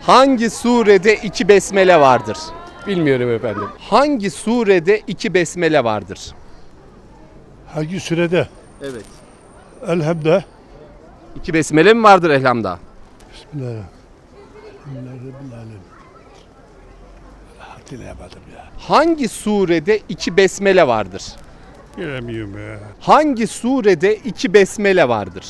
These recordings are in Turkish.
Hangi surede iki besmele vardır? Bilmiyorum efendim. Hangi surede iki besmele vardır? Hangi sürede? Evet. Elhamdülillah. İki besmele mi vardır Elham'da? Bismillahirrahmanirrahim. Bismillahirrahmanirrahim. Hatırlayamadım ya. Hangi surede iki besmele vardır? Bilemiyorum ya. Hangi surede iki besmele vardır?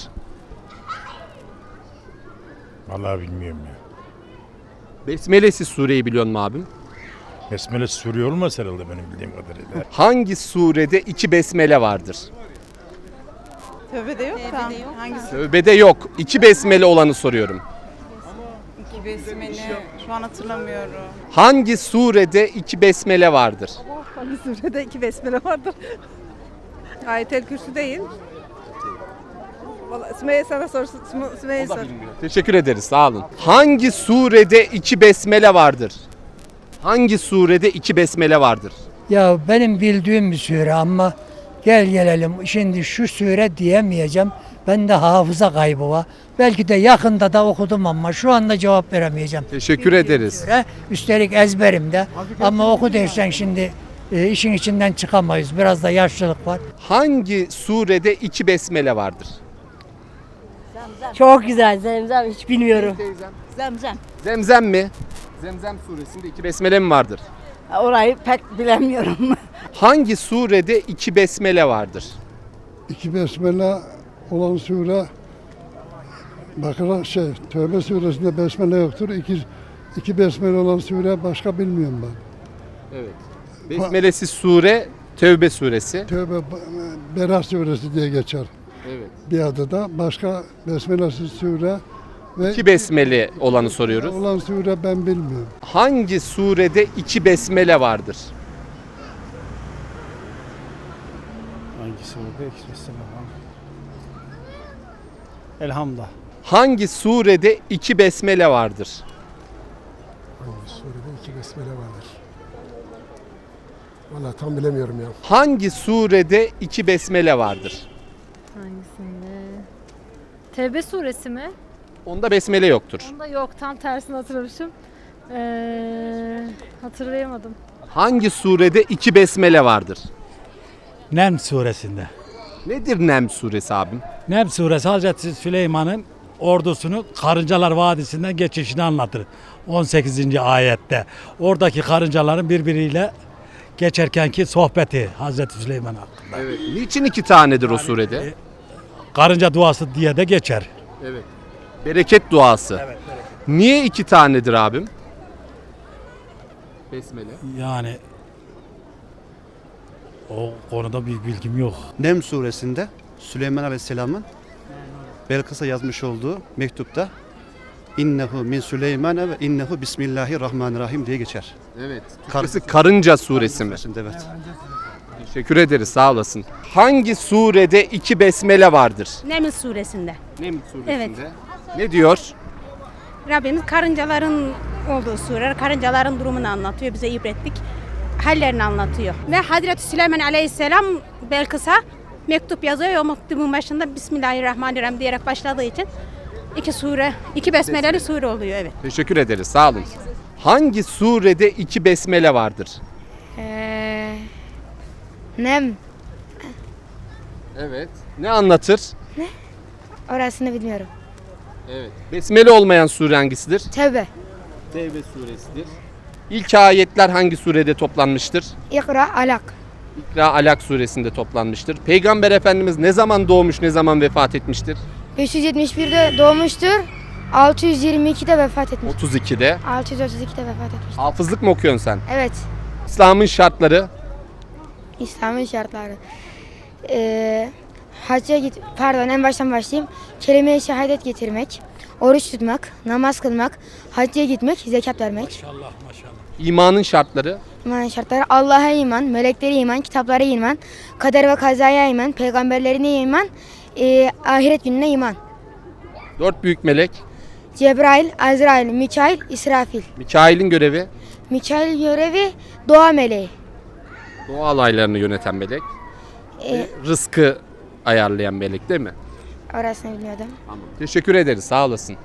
Vallahi bilmiyorum ya. Besmelesiz sureyi biliyor musun abim? Besmele Suriye olmaz herhalde benim bildiğim kadarıyla. Hangi surede iki besmele vardır? Tövbede yok da. Hangisi? Tövbede yok. İki besmele olanı soruyorum. İki besmele. Şu an hatırlamıyorum. Hangi surede iki besmele vardır? Hangi surede iki besmele vardır? Ayet-el Kürsü değil. Vallahi Sümeyye sana sorsun. Sümeyye sor. Teşekkür ederiz, sağ olun. Hangi surede iki besmele vardır? Hangi surede iki besmele vardır? Ya benim bildiğim bir sure ama gel gelelim şimdi şu sure diyemeyeceğim. Bende hafıza kaybı var. Belki de yakında da okudum ama şu anda cevap veremeyeceğim. Teşekkür ederiz. Sure, üstelik ezberimde ama oku dersen şimdi işin içinden çıkamayız. Biraz da yaşlılık var. Hangi surede iki besmele vardır? Çok güzel Zemzem, hiç bilmiyorum. Zemzem. Zemzem mi? Zemzem suresinde iki besmele mi vardır? Orayı pek bilemiyorum. Hangi surede iki besmele vardır? İki besmele olan sure Bakara Tövbe suresinde besmele yoktur. İki besmele olan sure başka bilmiyorum ben. Evet. Besmelesiz sure Tevbe suresi. Tövbe Berah suresi diye geçer. Evet. Bir adı da başka besmelesiz sure ve İki besmele olanı soruyoruz. olan sure ben bilmiyorum. Hangi surede iki besmele vardır? Hangi surede? Elhamdülillah. Hangi surede iki besmele vardır? Hangi surede iki besmele vardır? Vallahi tam bilemiyorum ya. Hangi surede iki besmele vardır? Hangisinde? Tevbe suresi mi? Onda besmele yoktur. Onda yok, tam tersini hatırlamışım. Hatırlayamadım. Hangi surede iki besmele vardır? Nem suresinde. Nedir Nem suresi abim? Nem suresi Hazreti Süleyman'ın ordusunu Karıncalar Vadisi'nden geçişini anlatır. 18. ayette. Oradaki karıncaların birbiriyle geçerkenki sohbeti Hazreti Süleyman hakkında. Evet. Niçin iki tanedir o surede? Karınca duası diye de geçer. Evet. Bereket duası. Evet. Niye iki tanedir abim? Besmele. Yani o konuda bir bilgim yok. Nem suresinde Süleyman Aleyhisselam'ın Belkıs'a yazmış olduğu mektupta İnnehu min Süleymane ve innehu bismillahirrahmanirrahim diye geçer. Evet. Türkçesi Karınca suresi mi? Evet. Teşekkür ederiz, sağ olasın. Hangi surede iki besmele vardır? Neml suresinde. Nem suresinde. Evet. Ne diyor? Rabbimiz karıncaların olduğu sure, karıncaların durumunu anlatıyor, bize ibretlik hallerini anlatıyor. Ve Hazreti Süleyman Aleyhisselam Belkıs'a mektup yazıyor. O mektubun başında Bismillahirrahmanirrahim diyerek başladığı için iki besmeleli sure oluyor, evet. Teşekkür ederiz, sağ olun. Hangi surede iki besmele vardır? Nem. Evet. Ne anlatır? Orasını bilmiyorum. Evet. Besmele olmayan sure hangisidir? Tevbe. Tevbe suresidir. İlk ayetler hangi surede toplanmıştır? İkra, alak. İkra Alak suresinde toplanmıştır. Peygamber Efendimiz ne zaman doğmuş, ne zaman vefat etmiştir? 571'de doğmuştur. 622'de vefat etmiş. 32'de. 632'de vefat etmiş. Hafızlık mı okuyorsun sen? Evet. İslam'ın şartları. İslam'ın şartları. Hacca git, pardon en baştan başlayayım. Kelime-i şehadet getirmek, oruç tutmak, namaz kılmak, hacca gitmek, zekat vermek. Maşallah maşallah. İmanın şartları. İmanın şartları Allah'a iman, meleklere iman, kitaplara iman, kader ve kazaya iman, peygamberlerine iman, ahiret gününe iman. 4 büyük melek. Cebrail, Azrail, Mikail, İsrafil. Mikail'in görevi. Mikail görevi doğa meleği. Doğa olaylarını yöneten melek. Rızkı ayarlayan melek değil mi? Orasını bilmiyordum. Tamam. Teşekkür ederiz, sağ olasın.